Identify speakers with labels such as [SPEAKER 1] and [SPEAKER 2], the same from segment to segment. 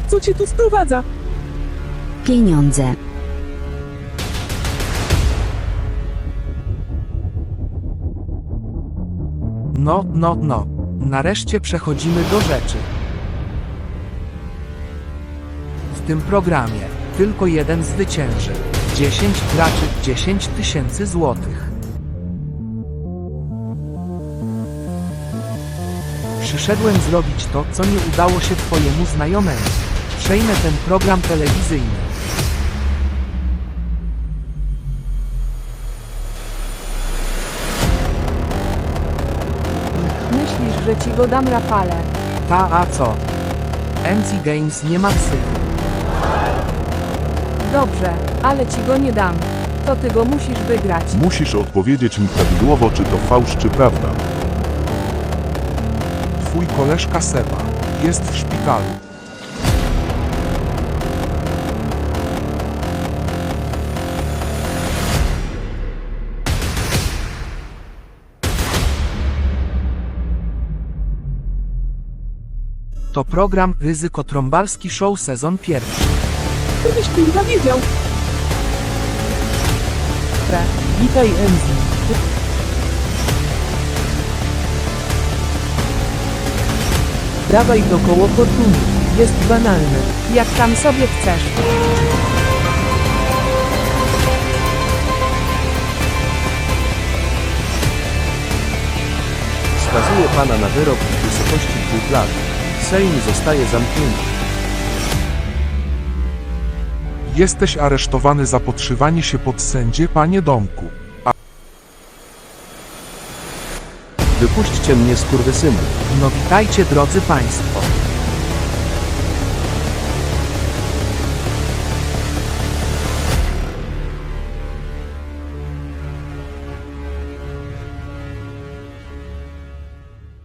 [SPEAKER 1] Co cię tu sprowadza?
[SPEAKER 2] Pieniądze.
[SPEAKER 3] No. Nareszcie przechodzimy do rzeczy. W tym programie tylko jeden zwycięży. 10 graczy, 10 000 złotych. Przyszedłem zrobić to, co nie udało się twojemu znajomemu. Przejmę ten program telewizyjny.
[SPEAKER 4] Myślisz, że ci go dam, Rafale?
[SPEAKER 3] A co? MC Games nie ma psychy.
[SPEAKER 4] Dobrze, ale ci go nie dam. To ty go musisz wygrać.
[SPEAKER 5] Musisz odpowiedzieć mi prawidłowo, czy to fałsz, czy prawda.
[SPEAKER 3] Twój koleżka Seba jest w szpitalu. To program Ryzyko Trąbalski Show sezon pierwszy.
[SPEAKER 1] Gdybyś kurwa wiedział.
[SPEAKER 3] Witaj Enzi. Dawaj do koło fortuny. Jest banalny.
[SPEAKER 4] Jak tam sobie chcesz.
[SPEAKER 6] Skazuje pana na wyrok w wysokości 2 lat. Sejm zostaje zamknięty.
[SPEAKER 5] Jesteś aresztowany za podszywanie się pod sędzię, panie Domku.
[SPEAKER 6] Wypuśćcie mnie, skurwysyny.
[SPEAKER 3] No witajcie drodzy państwo.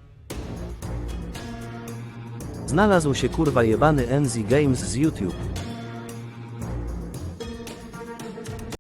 [SPEAKER 6] Znalazł się kurwa jebany NZ Games z YouTube.